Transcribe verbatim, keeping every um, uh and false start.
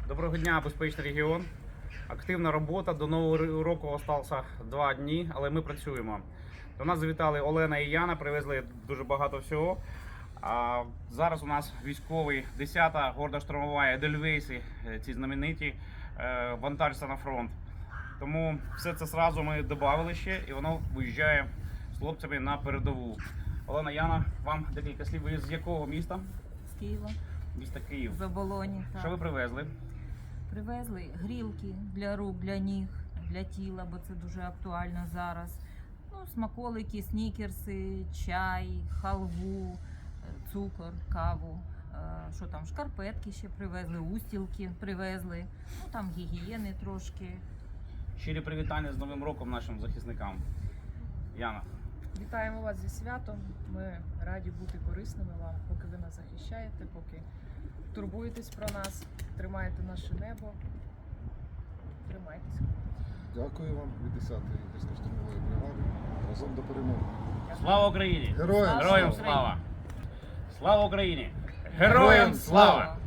Доброго дня, безпечний регіон. Активна робота. До нового року залишилося два дні, але ми працюємо. До нас завітали Олена і Яна, привезли дуже багато всього. А зараз у нас військовий десята горда штурмова Едельвейси, ці знамениті, вантажаться на фронт. Тому все це одразу ми додали ще, і воно виїжджає з хлопцями на передову. Олена, Яна, вам декілька слів. Ви з якого міста? З Києва. Міста Київ. З Оболоні. Так. Що ви привезли? Привезли грілки для рук, для ніг, для тіла, бо це дуже актуально зараз. Ну, смаколики, снікерси, чай, халву, цукор, каву. Що там, шкарпетки ще привезли, устілки привезли, ну там гігієни трошки. Щирі привітання з Новим роком нашим захисникам. Яна. Вітаємо вас зі святом. Ми раді бути корисними вам, поки ви нас захищаєте, поки турбуєтесь про нас, тримаєте наше небо. Тримайтеся. Дякую вам від десятої гірсько-штурмової бригади. Разом до перемоги. Слава Україні! Героям Героям слава! слава! Слава Україні! Героям слава!